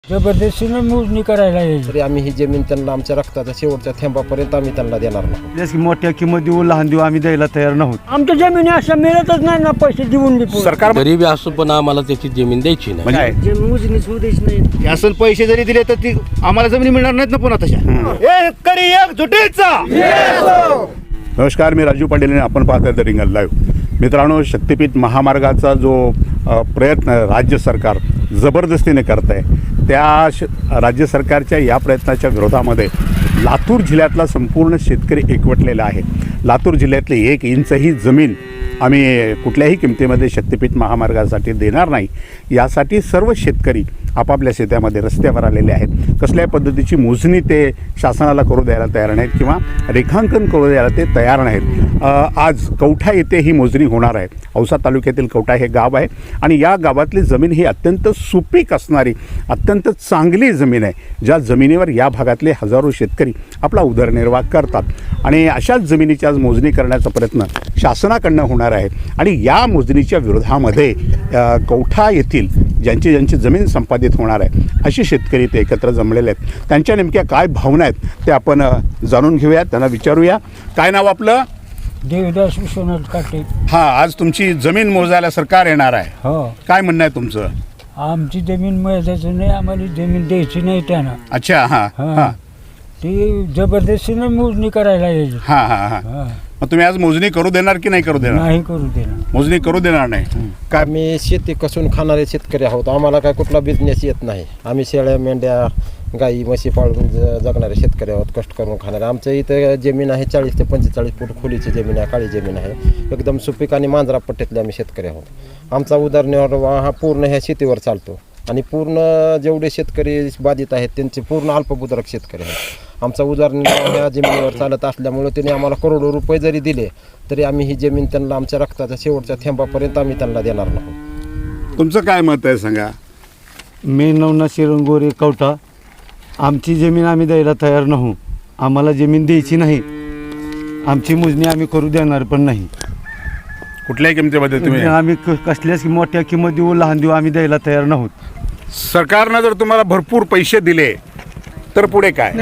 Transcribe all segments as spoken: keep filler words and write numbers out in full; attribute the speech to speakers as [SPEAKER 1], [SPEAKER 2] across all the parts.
[SPEAKER 1] जबरदस्तीने मोजणी करायला यायची.
[SPEAKER 2] तरी आम्ही ही जमीन त्यांना आमच्या रक्ताच्या शेवटच्या थेंबापर्यंत आम्ही त्यांना देणार नाही.
[SPEAKER 3] जसं की मोठ्या किंमत देऊ लहान देऊ आम्ही द्यायला तयार नव्हतो.
[SPEAKER 1] आमच्या जमिनी अशा मिळतच नाही ना पैसे देऊन बी पुढे.
[SPEAKER 4] सरकार
[SPEAKER 5] गरीबी असो पण आम्हाला त्याची जमीन द्यायची नाही.
[SPEAKER 4] म्हणजे
[SPEAKER 1] मोजणीच होऊ द्यायची नाही.
[SPEAKER 6] शासन पैसे जरी दिले तर ती आम्हाला जमिनी मिळणार नाहीत ना पुन्हा तशा.
[SPEAKER 2] शेतकरी एकजुटीचा.
[SPEAKER 4] नमस्कार, मी राजू पाटील आणि आपण पाहताय द रिंगण लाईव्ह. मित्रांनो, शक्तिपीठ महामार्गाचा जो अ, प्रयत्न राज्य सरकार जबरदस्तीने करत आहे, त्या श राज्य सरकारच्या या प्रयत्नाच्या विरोधामध्ये लातूर जिल्ह्यातला संपूर्ण शेतकरी एकवटलेला आहे. लातूर जिल्ह्यातली एक इंचही जमीन आम्ही कुठल्याही किमतीमध्ये शक्तिपीठ महामार्गासाठी देणार नाही, यासाठी सर्व शेतकरी आपापल्या शेतामध्ये रस्त्यावर आलेले आहेत. कसल्याही पद्धतीची मोजणी ते शासनाला करू द्यायला तयार नाहीत किंवा रेखांकन करू द्यायला ते तयार नाहीत. आज कवठा येथे ही मोजणी होणार आहे. औसा तालुक्यातील कवठा हे गाव आहे आणि या गावातली जमीन ही अत्यंत सुपीक असणारी अत्यंत चांगली जमीन आहे, ज्या जमिनीवर या भागातले हजारो शेतकरी आपला उदरनिर्वाह करतात. आणि अशाच जमिनीची आज मोजणी करण्याचा प्रयत्न शासनाकडनं होणार आहे. आणि या मोजणीच्या विरोधामध्ये कवठा येथील ज्यांची ज्यांची जमीन संपादित होणार आहे अशी शेतकरी ते एकत्र जमलेले आहेत. त्यांच्या नेमक्या काय भावना आहेत ते आपण जाणून घेऊया, त्यांना विचारूया. काय नाव आपलं?
[SPEAKER 1] देवदास विश्वनाथ काटे.
[SPEAKER 4] हां, आज तुमची जमीन मोजायला सरकार येणार आहे.
[SPEAKER 1] हो,
[SPEAKER 4] काय म्हणणं आहे तुमचं?
[SPEAKER 1] आमची जमीन मिळायचं नाही, आम्हाला जमीन द्यायची नाही त्यांना.
[SPEAKER 4] अच्छा, हां हां
[SPEAKER 1] हा. ती जबरदस्तीने मोजणी करायला यायची.
[SPEAKER 4] हां हां हां
[SPEAKER 1] हा.
[SPEAKER 4] मग तुम्ही आज मोजणी करू देणार की नाही करू देणार?
[SPEAKER 1] नाही करू देणार.
[SPEAKER 4] मोजणी करू देणार नाही. काय?
[SPEAKER 2] आम्ही शेती कसून खाणारे शेतकरी आहोत. आम्हाला काय कुठला बिझनेस येत नाही. आम्ही शेळ्या मेंढ्या गाई म्हशी पाळून ज जगणारे शेतकरी आहोत, कष्ट करून खाणारे. आमच्या इथं जमीन आहे चाळीस ते पंचेचाळीस फूट खोलीची जमीन आहे, काळी जमीन आहे. एकदम सुपीक आणि मांजरा पट्ट्यातले आम्ही शेतकरी आहोत. आमचा उदरनिर्वाह हा पूर्ण ह्या शेतीवर चालतो आणि पूर्ण जेवढे शेतकरी बाधित आहेत त्यांचे पूर्ण अल्पभूधारक शेतकरी आहेत. आमचा उदरनिर्वाह ह्या जमिनीवर चालत असल्यामुळे त्यांनी आम्हाला करोडो रुपये जरी दिले तरी आम्ही ही जमीन त्यांना आमच्या रक्ताच्या शेवटच्या थेंबापर्यंत आम्ही त्यांना देणार नाही.
[SPEAKER 4] तुमचं काय मत आहे सांगा?
[SPEAKER 3] मी नवना शिरंगोरे कवठा. आमची जमीन आम्ही द्यायला तयार नव्हू. आम्हाला जमीन द्यायची नाही. आमची मोजणी आम्ही करू देणार पण नाही.
[SPEAKER 4] कुठल्याही किमतीमध्ये तुम्ही?
[SPEAKER 3] आम्ही क- कसल्याच मोठ्या किंमत देऊ लहान देऊ आम्ही द्यायला तयार नव्हतो.
[SPEAKER 4] सरकारनं जर तुम्हाला भरपूर पैसे दिले तर पुढे काय?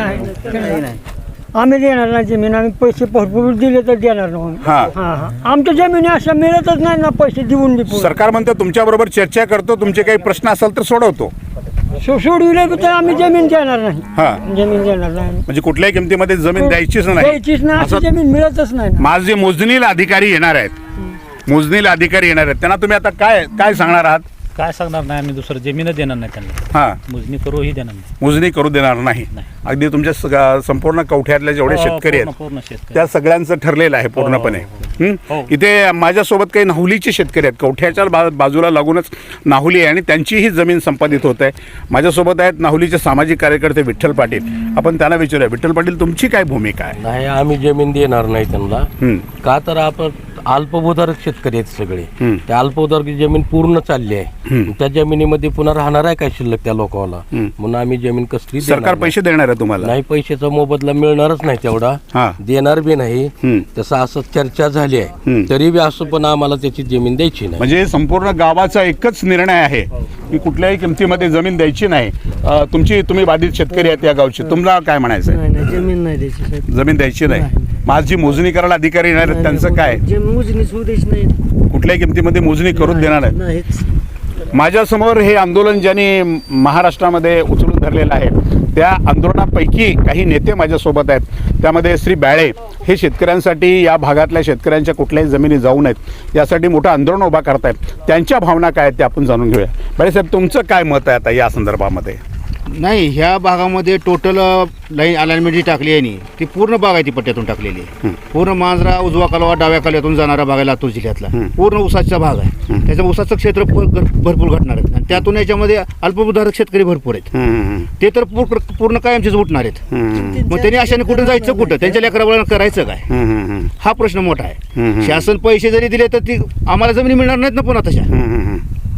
[SPEAKER 1] आम्ही देणार नाही जमीन. आम्ही पैसे भरपूर दिले तर देणार नाही.
[SPEAKER 4] हां,
[SPEAKER 1] हा हा आमच्या जमिनी अशा मिळतच नाही ना पैसे देऊन बी पुढे.
[SPEAKER 4] सरकार म्हणतं तुमच्याबरोबर चर्चा करतो, तुमचे काही प्रश्न असेल तर सोडवतो.
[SPEAKER 1] सो- सोडविले तर आम्ही जमीन देणार नाही.
[SPEAKER 4] हां,
[SPEAKER 1] जमीन देणार नाही.
[SPEAKER 4] म्हणजे कुठल्याही किमतीमध्ये जमीन द्यायचीच नाही.
[SPEAKER 1] द्यायचीच नाही. अशी
[SPEAKER 4] असं
[SPEAKER 1] जमीन मिळतच नाही ना.
[SPEAKER 4] माझे मोजणीला अधिकारी येणार आहेत, मोजणीला अधिकारी येणार आहेत, त्यांना तुम्ही आता काय काय सांगणार आहात?
[SPEAKER 7] काय सांगणार नाही, आम्ही दुसरं जमीनच देणार नाही त्यांना.
[SPEAKER 4] हां,
[SPEAKER 7] मोजणी करूही देणार नाही.
[SPEAKER 4] मोजणी करू देणार नाही.
[SPEAKER 7] नाही.
[SPEAKER 4] अगदी तुमच्या सग- संपूर्ण कवठ्यातले जेवढे
[SPEAKER 7] हो,
[SPEAKER 4] शेतकरी
[SPEAKER 7] पूर्ण-
[SPEAKER 4] आहेत
[SPEAKER 7] पूर्ण शेतकरी.
[SPEAKER 4] त्या सगळ्यांचं ठरलेलं आहे पूर्णपणे. हं?
[SPEAKER 7] हो.
[SPEAKER 4] इथे माझ्यासोबत काही नाहुलीचे शेतकरी आहेत. कवठ्याच्या बा बाजूला लागूनच नाहुली आहे आणि त्यांचीही जमीन संपादित होत आहे. माझ्यासोबत आहेत नाहुलीचे सामाजिक कार्यकर्ते विठ्ठल पाटील. आपण त्यांना विचारूया, विठ्ठल पाटील तुमची काय भूमिका आहे?
[SPEAKER 5] नाही, आम्ही जमीन देणार नाही त्यांना.
[SPEAKER 4] हं,
[SPEAKER 5] का तर आपण अल्पभूधारक शेतकरी आहेत सगळे.
[SPEAKER 4] हं.
[SPEAKER 5] त्या अल्पभूधारक जमीन पूर्ण चालली आहे.
[SPEAKER 4] हं.
[SPEAKER 5] त्या जमिनीमध्ये पुन्हा राहणार आहे काय शिल्लक त्या लोकांना?
[SPEAKER 4] हं.
[SPEAKER 5] म्हणून आम्ही जमीन कसली देणार
[SPEAKER 4] सरकार
[SPEAKER 5] नाही.
[SPEAKER 4] पैसे देणार आहे तुम्हाला?
[SPEAKER 5] नाही, पैशाचा मोबदला मिळणारच नाही तेवढा.
[SPEAKER 4] हां.
[SPEAKER 5] देणार बी नाही.
[SPEAKER 4] हं.
[SPEAKER 5] तसं असं चर्चा झाली आहे.
[SPEAKER 4] हं.
[SPEAKER 5] तरी बी असं पण आम्हाला त्याची जमीन द्यायची नाही.
[SPEAKER 4] म्हणजे संपूर्ण गावाचा एकच निर्णय आहे की कुठल्याही किमतीमध्ये जमीन द्यायची नाही. अ, तुमची तुम्ही बाधित शेतकरी आहेत या गावचे, तुम्हाला काय म्हणायचं आहे?
[SPEAKER 1] जमीन नाही द्यायची.
[SPEAKER 4] जमीन द्यायची नाही. माझी मोजणी करायला अधिकारी येणार आहेत, त्यांचं काय?
[SPEAKER 1] मोजणीच होऊ द्यायची नाही.
[SPEAKER 4] कुठल्याही किमतीमध्ये मोजणी करून देणार आहेत.
[SPEAKER 1] नाहीच.
[SPEAKER 4] माझ्यासमोर हे आंदोलन ज्यांनी महाराष्ट्रामध्ये उचलून धरलेलं आहे त्या आंदोलनापैकी काही नेते माझ्यासोबत आहेत. त्यामध्ये श्री बाळे हे शेतकऱ्यांसाठी, या भागातल्या शेतकऱ्यांच्या कुठल्याही जमिनी जाऊ नयेत यासाठी मोठं आंदोलन उभा करतायत. त्यांच्या भावना काय आहेत ते आपण जाणून घेऊया. बाळेसाहेब, तुमचं काय मत आहे आता या संदर्भामध्ये?
[SPEAKER 6] नाही, ह्या भागामध्ये टोटल लाईन अलाइनमेंट जी टाकली आहे नी ती पूर्ण बागायती पट्ट्यातून टाकलेली आहे. पूर्ण मांजरा उजवा कालवा डाव्या कालव्यातून जाणारा भाग आहे लातूर जिल्ह्यातला. पूर्ण ऊसाचा भाग आहे. त्याच्या ऊसाचं क्षेत्र भर- भरपूर घटणार आहेत आणि त्यातून याच्यामध्ये अल्पभूधारक शेतकरी भरपूर आहेत. ते तर पूर्ण पूर्ण कायमचेच उठणार आहेत. मग त्यांनी अशाने कुठं जायचं, कुठं त्यांच्या लेकराला करायचं काय, हा प्रश्न मोठा आहे. शासन पैसे जरी दिले तर ती आम्हाला जमिनी मिळणार नाहीत ना पुन्हा तशा.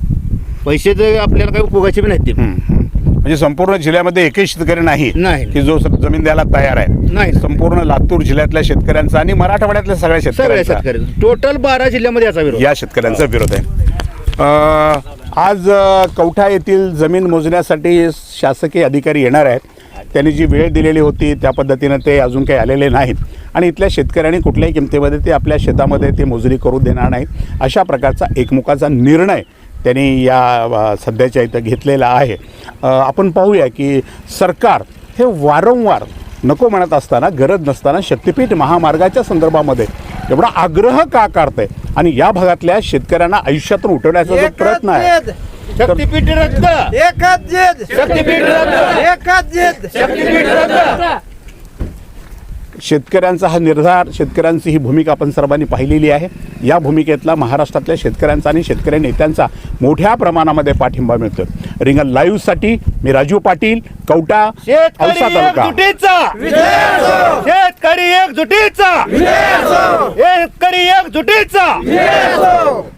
[SPEAKER 6] पैसे जर आपल्याला काही उपयोगाचे बी नाहीत ते.
[SPEAKER 4] म्हणजे संपूर्ण जिल्ह्यामध्ये एकही शेतकरी नाही
[SPEAKER 6] नाही.
[SPEAKER 4] की जो जमीन द्यायला तयार आहे.
[SPEAKER 6] नाही.
[SPEAKER 4] संपूर्ण लातूर जिल्ह्यातल्या शेतकऱ्यांचा आणि मराठवाड्यातल्या सगळ्या
[SPEAKER 6] सगळ्या
[SPEAKER 4] शेतकऱ्यांचा,
[SPEAKER 6] शेतकरी टोटल बारा जिल्ह्यामध्ये याचा विरोध.
[SPEAKER 4] या शेतकऱ्यांचा विरोध आहे. अ, आज अ, कवठा येथील जमीन मोजण्यासाठी शासकीय अधिकारी येणार आहेत. त्यांनी जी वेळ दिलेली होती त्या पद्धतीनं ते अजून काही आलेले नाहीत आणि इथल्या शेतकऱ्यांनी कुठल्याही किमतीमध्ये ते आपल्या शेतामध्ये ते मोजणी करू देणार नाहीत. अशा प्रकारचा एकमुखाचा निर्णय त्यांनी या अ, सध्याच्या इथं घेतलेला आहे. अ, आपण पाहूया की सरकार हे वारंवार नको म्हणत असताना, गरज नसताना शक्तिपीठ महामार्गाच्या संदर्भामध्ये एवढा आग्रह का करतंय आणि या भागातल्या शेतकऱ्यांना आयुष्यातून उठवण्याचा जो प्रयत्न आहे
[SPEAKER 6] शक्तीपीठ रद्द,
[SPEAKER 1] एकच जिद,
[SPEAKER 6] शक्तीपीठ रद्द,
[SPEAKER 1] एकच जिद.
[SPEAKER 6] शक्तीपीठ रद्द.
[SPEAKER 4] शेतकऱ्यांचा हा निर्धार, शेतकऱ्यांची ही भूमिका आपण सर्वांनी पाहिलेली आहे. या भूमिकेतला महाराष्ट्रातल्या शेतकऱ्यांचा आणि शेतकरी नेत्यांचा मोठ्या प्रमाणामध्ये पाठिंबा मिळतो. रिंगण लाईव्हसाठी मी राजू पाटील, कवठा,
[SPEAKER 6] शेतकरी
[SPEAKER 4] औसा तालुका.
[SPEAKER 6] एकजुटीचा, शेतकरी एकजुटीचा, शेतकरी एकजुटीचा.